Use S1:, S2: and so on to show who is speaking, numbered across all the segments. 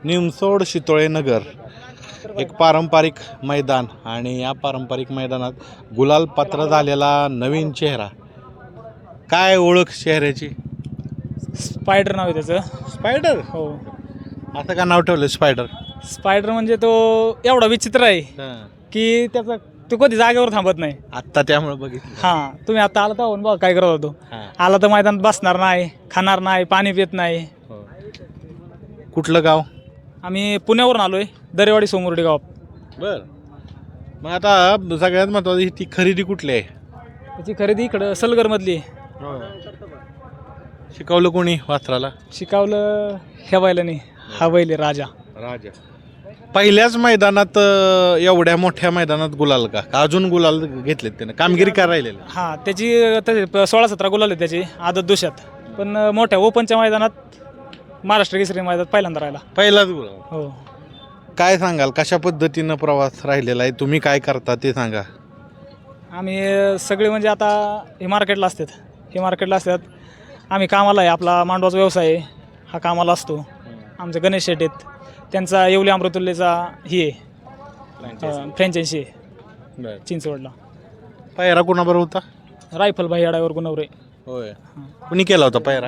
S1: निमसोड शितोळे नगर एक पारंपरिक मैदान आणि या पारंपरिक मैदानात गुलाल पात्र झालेला नवीन चेहरा. काय ओळख चेहऱ्याची?
S2: स्पायडर नाव आहे त्याचं.
S1: स्पायडर.
S2: हो,
S1: असं का नाव ठेवलं स्पायडर?
S2: स्पायडर म्हणजे तो एवढा विचित्र आहे की त्याचा तो कधी जागेवर थांबत नाही.
S1: आत्ता त्यामुळे बघितलं.
S2: हां, तुम्ही आता आला तर बघा काय करत होतो. आला तर मैदानात बसणार नाही, खाणार नाही, पाणी पित नाही.
S1: कुठलं गाव?
S2: आम्ही पुण्यावरून आलोय, दरेवाडी सोमुर्डी गाव.
S1: बर. मग आता सगळ्यात महत्वाची ती खरेदी कुठली आहे?
S2: त्याची खरेदी इकडं सलगरमधली आहे.
S1: शिकवलं कोणी वासराला?
S2: शिकावलं ह्या बैलाने, हा बैल आहे राजा.
S1: राजा. पहिल्याच मैदानात एवढ्या मोठ्या मैदानात गुलाल का अजून गुलाल घेतलेत त्याने? कामगिरी काय राहिलेली?
S2: हां, त्याची 16-17 गुलाल आहे त्याची आदत दुष्यात. पण मोठ्या ओपनच्या मैदानात महाराष्ट्र केसरी मैदानात पहिल्यांदा राहिला.
S1: पहिलाच गुलाल.
S2: हो.
S1: काय सांगाल, कशा पद्धतीनं प्रवास राहिलेला आहे? तुम्ही काय करता ते सांगा.
S2: आम्ही सगळे म्हणजे आता हे मार्केटला असतात. आम्ही कामाला आहे, आपला मांडवाचा व्यवसाय आहे, हा कामाला असतो. आमचे गणेश शेट आहेत, त्यांचा येवले अमृतुल्लेचा ही आहे फ्रँचायसी आहे चिंचवडला.
S1: पायरा कोणाबरोबर होता?
S2: रायफल भाई अडावर गुणवरे.
S1: होय. कुणी केला होता पायरा?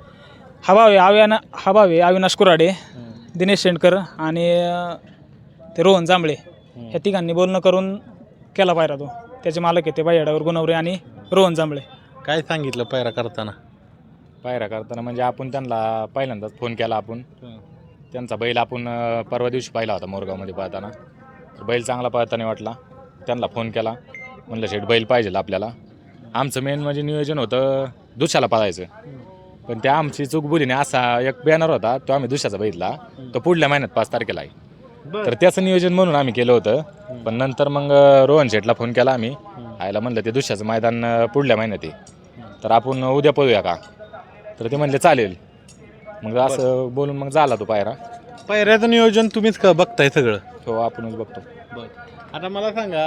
S2: हबावे अविनाश कुराडे, दिनेश शेंडकर आणि ते रोहन जांभळे ह्या तिघांनी बोलणं करून केला पायरा. तो त्याचे मालक आहे ते भाई अडावर गुणवरे आणि रोहन जांभळे.
S1: काय सांगितलं पायरा करताना?
S3: पायरा करताना म्हणजे आपण त्यांना पहिल्यांदाच फोन केला. आपण त्यांचा बैल आपण परवा दिवशी पाहिला होता मोरगावमध्ये पाहताना. तर बैल चांगला पाहताना वाटला, त्यांना फोन केला. म्हणलं शेठ बैल पाहिजे आपल्याला. आमचं मेन म्हणजे नियोजन होतं दुसऱ्याला पाळायचं, पण त्या आमची चूक बुलीने असा एक बॅनर होता तो आम्ही दुसऱ्याचा बघितला, तो पुढल्या महिन्यात 5 तारखेला आहे. तर त्याचं नियोजन म्हणून आम्ही केलं होतं. पण नंतर मग रोहन शेठला फोन केला आम्ही, आयला म्हणलं ते दुसऱ्याचं मैदान पुढल्या महिन्यात आहे, तर आपण उद्या पळूया का? तर ते म्हणले चालेल. मग असं बोलून मग झाला तो पायरा.
S1: पायऱ्याचं नियोजन तुम्हीच बघताय सगळं?
S3: हो, आपणच बघतो.
S1: आता मला सांगा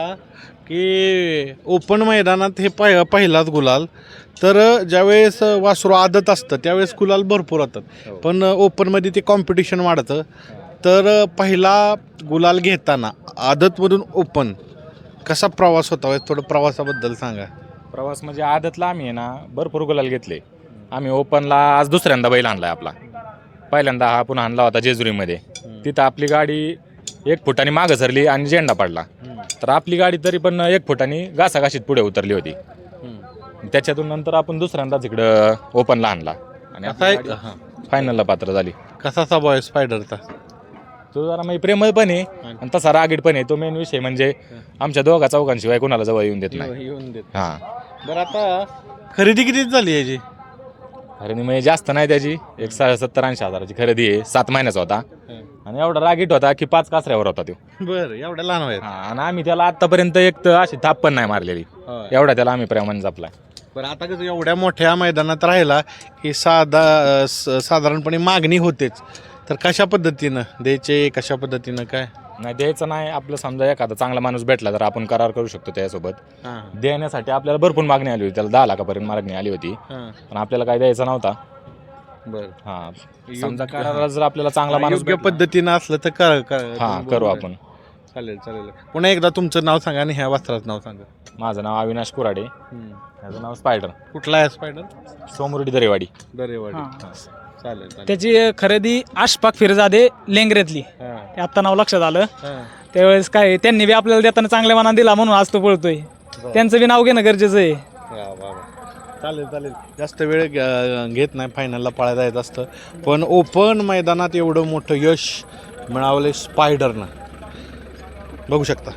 S1: की ओपन मैदानात हे पहिलाच गुलाल, तर ज्यावेळेस वासरू आदत असतं त्यावेळेस गुलाल भरपूर होतात, पण ओपनमध्ये ते कॉम्पिटिशन वाढतं. तर पहिला गुलाल घेताना आदतमधून ओपन कसा प्रवास होता? थोडं प्रवासाबद्दल सांगा.
S3: प्रवास म्हणजे आदतला आम्ही आहे ना भरपूर गुलाल घेतले. आम्ही ओपनला आज दुसऱ्यांदा बैल आणला आपला. पहिल्यांदा हा आपण आणला होता जेजुरीमध्ये. तिथं आपली गाडी 1 फुटाने मागं सरली आणि झेंडा पडला. तर आपली गाडी तरी पण 1 फुटाने घासाघाशीत पुढे उतरली होती. त्याच्यातून नंतर आपण दुसऱ्यांदाच इकडं ओपनला आणला आणि फायनलला पात्र झाली.
S1: कसा स्वभाव आहे स्पायडरचा?
S3: तो जरा म्हणजे प्रेमळ पण आहे आणि तसा रागीट पण आहे. तो मेन विषय म्हणजे आमच्या दोघा चौघांशिवाय कोणाला जवळ येऊन देत नाही. हां.
S1: बरं, आता खरेदी किती झाली याची?
S3: खरेदी म्हणजे जास्त नाही त्याची, 70-80 हजाराची खरेदी आहे. 7 महिन्याचा होता आणि एवढा रागीट होता की 5 कासऱ्यावर होता तो.
S1: बरं, एवढ्या लहान वयात?
S3: आणि आम्ही त्याला आतापर्यंत एक तर अशी थाप पण नाही मारलेली, एवढा त्याला आम्ही प्रेमाने जपलाय.
S1: बरं, आता कसं एवढ्या मोठ्या मैदानात राहिला की साधारणपणे मागणी होतेच, तर कशा पद्धतीनं द्यायचे, कशा पद्धतीनं काय?
S3: नाही द्यायचं नाही. आपलं समजा एखादा चांगला माणूस भेटला तर आपण करार करू शकतो त्याच्यासोबत. देण्यासाठी आपल्याला भरपूर मागणी आली होती, त्याला 10 लाखापर्यंत मागणी आली होती, पण आपल्याला काय द्यायचा नव्हता.
S1: बरं.
S3: हां, समजा कराराला जर आपल्याला चांगला माणूस
S1: योग्य पद्धतीनं असलं तर
S3: करू आपण.
S1: चालेल. पुन्हा एकदा तुमचं नाव सांगा आणि ह्या वस्त्राचं नाव सांगा.
S3: माझं नाव अविनाश कुराडे, माझं नाव स्पायडर.
S1: कुठला आहे स्पायडर?
S3: सोमुर्डी दरेवाडी.
S1: चालेल.
S2: त्याची खरेदी अशफाक फिरजादे लेंगरेतली. आत्ता नाव लक्षात आलं. त्यावेळेस काय त्यांनी बी आपल्याला देताना चांगल्या मनाने दिला म्हणून आज तो पळतोय. त्यांचं बी नाव घेणं गरजेचं आहे.
S1: चालेल. जास्त वेळ घेत नाही, फायनलला पळायला येत असतं, पण ओपन मैदानात एवढं मोठं यश मिळवले स्पायडरनं, बघू शकता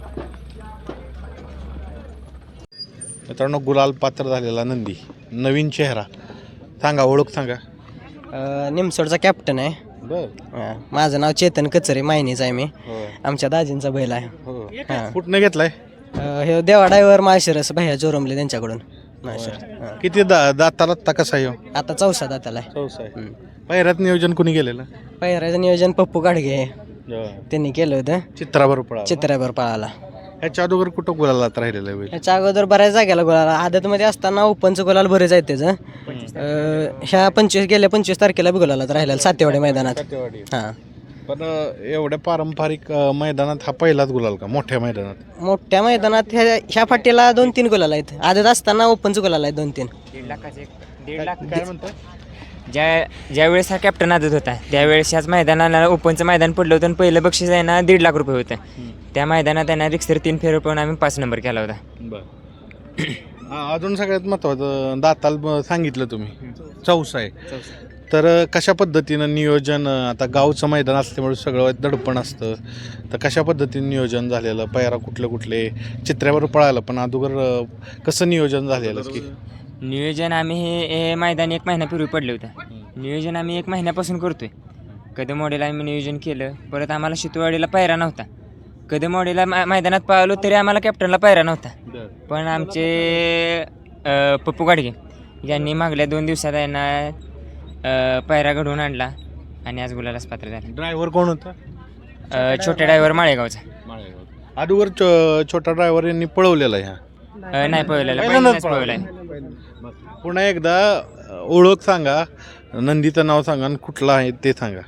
S1: मित्रांनो. गुलाल पात्र झालेला नंदी, नवीन चेहरा. सांगा, ओळख सांगा.
S4: निमसोडचा कॅप्टन आहे.
S1: बरं.
S4: माझं नाव चेतन कचरे, मायनीच आहे मी. आमच्या दाजींचा बैल आहे.
S1: कुठनं घेतलाय?
S4: हे देवा ड्रायव्हर माळशिरस भैया जोरमले त्यांच्याकडून.
S1: किती दाताला आता कसा आहे?
S4: आता 4 दाताला आहे.
S1: 4 पहिऱ्यात नियोजन कोणी केलेलं?
S4: पहिऱ्याचं नियोजन पप्पू गाडगे त्यांनी केलं होतं. चित्राबर पळाला.
S1: ह्याच्या अगोदर कुठं गुलालात राहिलेलं आहे?
S4: ह्याच्या अगोदर बऱ्याच जागेला गुलाला. आदतमध्ये असताना ओपनचं गुलाल बरेच आहेत त्याचं. ह्या 25 तारखेला बी गुलालात राहिलेला सातेवाडी मैदानात. हां,
S1: पण एवढ्या पारंपरिक मैदानात हा पहिलाच गुलाल का मोठ्या मैदानात?
S4: मोठ्या मैदानात ह्या फाटीला 2-3 गुलाल आहेत. आदत असताना ओपनचं गुलाल आहे 2-3.
S5: 1.5 लाख
S1: काय म्हणतो?
S5: ज्या वेळेस हा कॅप्टन आदत होता त्यावेळेस ह्याच मैदानाला ओपनचं मैदान पडलं होतं आणि पहिलं बक्षीस आहे ना 1.5 लाख रुपये होतं. त्या मैदानात त्यांना रिक्सर 3 फेर पण आम्ही 5 नंबर केला होता.
S1: बरं. अजून सगळ्यात महत्त्वाचं दाताल सांगितलं तुम्ही चौसा आहे. तर कशा पद्धतीनं नियोजन, आता गावचं मैदान असल्यामुळे सगळं दडपण असतं, तर कशा पद्धतीनं नियोजन झालेलं, पैरा कुठले चित्र्यावर पळायला पण अगोदर कसं नियोजन झालेलं की?
S5: नियोजन आम्ही हे मैदान 1 महिन्यापूर्वी पडलं होतं. नियोजन आम्ही 1 महिन्यापासून करतोय. कदमवाडीला आम्ही नियोजन केलं, परत आम्हाला शितवाडीला पायरा नव्हता. कदमवाडीला मैदानात पळालो तरी आम्हाला कॅप्टनला पायरा नव्हता. पण आमचे पप्पू गाडगे यांनी मागल्या 2 दिवसात यांना पायरा घडवून आणला आणि आज गुलालाच पात्र झाला.
S1: ड्रायव्हर कोण होता?
S5: छोट्या ड्रायव्हर माळेगावचा.
S1: अगोदर छोटा ड्रायव्हर यांनी पळवलेला ह्या
S5: नाही पळवलेला,
S1: पहिल्यांदाच
S5: पहिल्यांदाच
S1: पळवलेला.
S5: पळवलाय.
S1: पुन्हा एकदा ओळख सांगा, नंदीचं नाव सांगा आणि कुठलं आहे ते सांगा.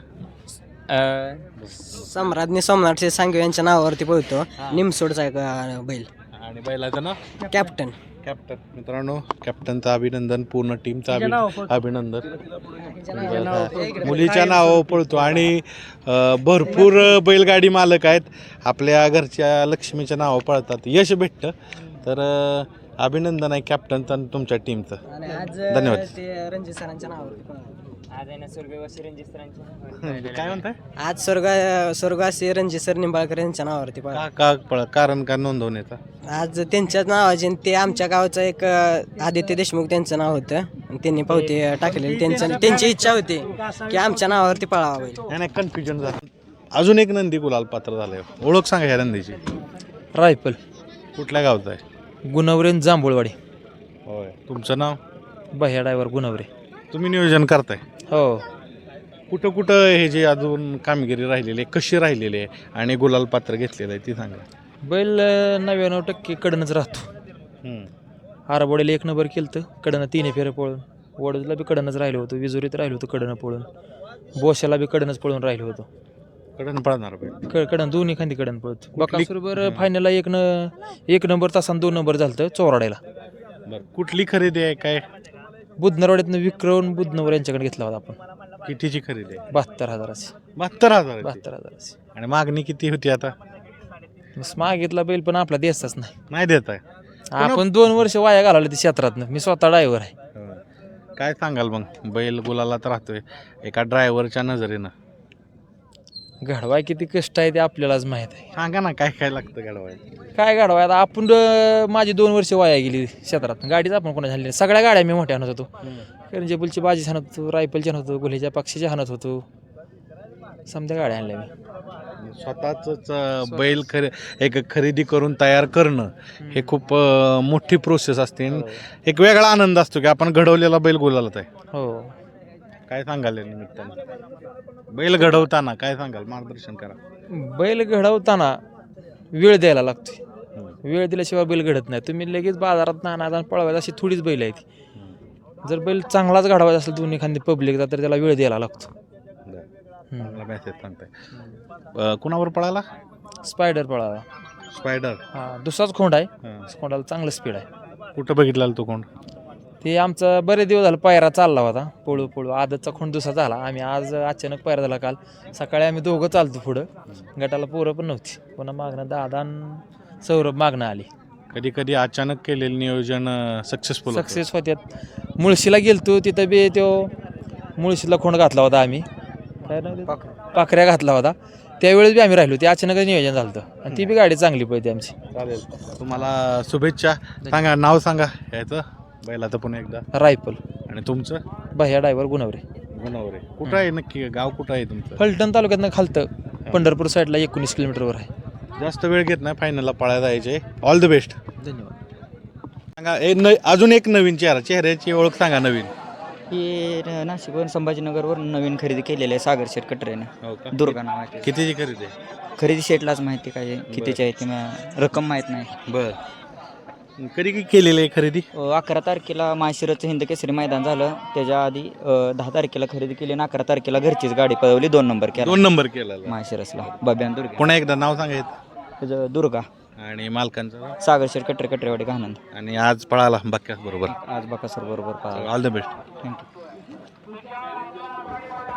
S4: सम्राज्ञी सोमनाथ सांगू यांच्या नावावरती पळतो. निमसोडचा एक बैल.
S1: आणि बैलाचं नाव
S4: कॅप्टन.
S1: कॅप्टन. मित्रांनो, कॅप्टनचं अभिनंदन, पूर्ण टीमचं अभिनंदन. मुलीच्या नावावर पळतो आणि भरपूर बैलगाडी मालक आहेत आपल्या घरच्या लक्ष्मीच्या नावावर पळतात, यश भेटतं. तर अभिनंदन आहे कॅप्टनचं आणि तुमच्या टीमचं. धन्यवाद.
S4: ते रणजित सरांच्या नावावरती
S5: आज आहे ना स्वर्गवासी रणजित सरांची.
S1: काय म्हणताय?
S4: आज स्वर्गवासी रणजित सर निंबाळकर यांच्या नावावरती
S1: कारण का नोंदवण्याचा?
S4: आज त्यांच्याच नावाचे ते आमच्या गावचं एक आदित्य देशमुख त्यांचं नाव होतं आणि त्यांनी पावती टाकलेली. त्यांची इच्छा होती की आमच्या नावावरती पळावा बैल.
S1: नाही कन्फ्युजन झालं. अजून एक नंदी गुलाल पात्र झालंय, ओळख सांगा ह्या नंदीची.
S6: रायफल
S1: कुठल्या गावचं आहे?
S6: गुणवरे जांभूळवाडी.
S1: होय. तुमचं नाव?
S6: बह्या ड्रायव्हर गुणवरे.
S1: तुम्ही नियोजन करताय?
S6: हो.
S1: कुठं हे जे अजून कामगिरी राहिलेली आहे, कशी राहिलेली आहे आणि गुलाल पात्र घेतलेलं आहे ती सांगा.
S6: बैल 99% कडनंच राहतो. आरबोडीला 1 नंबर केलं तर कडनं 3 फेरे पळून, वडूजला बी कडनंच राहिलो होतो, विजुरीत राहिलो होतो कडनं पळून, बोशाला बी कडनंच पळून राहिलो होतो.
S1: कडन पळणार बैल?
S6: कडन दोन्ही खांदी कडन पळतो. बकासूरभर फायनलला 1 नंबर तासानं 2 नंबर झालं चोराड्याला.
S1: बरं. कुठली खरेदी आहे काय?
S6: बुधनरवाड्यातनं विक्रम बुधनवर यांच्याकडे घेतला होता आपण.
S1: कितीची खरेदी आहे?
S6: 72,000ची.
S1: 72,000.
S6: 72,000ची.
S1: आणि मागणी किती होती आता?
S6: मागितला बैल पण आपला देसाच
S1: नाही देत आहे
S6: आपण 2 वर्ष वाया घालवले ते क्षेत्रातनं. मी स्वतः ड्रायव्हर आहे.
S1: काय सांगाल मग? बैल गुलालात राहतोय एका ड्रायव्हरच्या नजरेनं,
S6: घडवाय किती कष्ट आहे ते आपल्यालाच माहीत आहे.
S1: सांगा ना काय काय लागतं घडवाय?
S6: काय घडवाय आता आपण माझी 2 वर्ष वाया गेली क्षेत्रात. गाडीच आपण कोणा झाली, सगळ्या गाड्या मी मोठ्या आणत होतो. करंजेबुलची बाजी हाणत होतो, रायफलची आणत होतो, गुल्हेच्या पक्षीच्या हाणत होतो, समध्या गाड्या आणल्या मी.
S1: स्वतःच बैल एक खरेदी करून तयार करणं हे खूप मोठी प्रोसेस असते. एक वेगळा आनंद असतो की आपण घडवलेला बैल गुलालात आहे.
S6: हो.
S1: काय सांगाल या निमित्तानं बैल घडवताना काय सांगाल? मार्गदर्शन करा.
S6: बैल घडवताना वेळ द्यायला लागतो. वेळ दिल्याशिवाय बैल घडत नाही. तुम्ही लगेच बाजारात नाना पळवायचं अशी थोडीच बैल आहे ती. जर बैल चांगलाच घडवायचा असेल दोन्ही खांदी पब्लिकचा तर त्याला वेळ द्यायला लागतो.
S1: मेसेज सांगताय. कुणावर पळाला?
S6: स्पायडर पळाला.
S1: स्पायडर?
S6: हा, दुसराच खोंड आहे. खोंडाला चांगलं स्पीड आहे.
S1: कुठं बघितला तो कोण?
S6: ते आमचा बरेच दिवस झाला पायरा चालला होता, पळू आदतचा खोंड दुसरा झाला. आम्ही आज अचानक पायरा झाला काल सकाळी. आम्ही दोघं चालतो पुढं, गटाला पोरं पण नव्हती. पुन्हा मागणं दादा आणि सौरभ मागणं आली.
S1: कधी कधी अचानक केलेलं नियोजन सक्सेस
S6: होत्यात. मुळशीला गेलतो, तिथं बी तो मुळशीला खोंड घातला होता आम्ही. काय नाव पाखऱ्या घातला होता. त्यावेळेस बी आम्ही राहिलो. ते अचानकच नियोजन झालं आणि ती बी गाडी चांगली पळते आमची.
S1: चालेल. तुम्हाला शुभेच्छा. सांगा नाव सांगा याचं बैलाचं पुन्हा एकदा.
S6: रायफल.
S1: आणि तुमचं?
S6: बह्या ड्रायव्हर गुणवरे.
S1: गुणवरे. कुठं आहे नक्की गाव? कुठं आहे तुमचं?
S6: फलटण तालुक्यातनं खालतं पंढरपूर साईडला 19 किलोमीटरवर आहे.
S1: जास्त वेळ घेत नाही, फायनलला पळायला जायचे. All the best.
S6: धन्यवाद.
S1: सांगा अजून एक नवीन चेहऱ्याची ओळख सांगा. नवीन
S7: ही नाशिकवरून संभाजीनगरवरून नवीन खरेदी केलेली आहे सागर शेट कटरेनं.
S1: हो का?
S7: दुर्गा नावाची.
S1: कितीची खरेदी आहे?
S7: खरेदी शेटलाच माहिती काय कितीची आहे ती रक्कम माहीत नाही.
S1: बर. कधी केलेली आहे खरेदी?
S7: 11 तारखेला माशिरचं हिंद केसरी मैदान झालं, त्याच्या आधी 10 तारखेला खरेदी केली आणि 11 तारखेला घरचीच गाडी पळवली, 2 नंबर केला
S1: 2 नंबर केलेला.
S7: माशिरसला बब्यान दुर्गा.
S1: पुन्हा एकदा नाव सांगायचं
S7: त्याचं दुर्गा
S1: आणि मालकांचं.
S7: सागर शेठ कटरेवाडी आनंद.
S1: आणि आज पळाला बक्क्यास बरोबर.
S7: आज बकासूर बरोबर पाहिला.
S1: All the best.
S7: थँक्यू.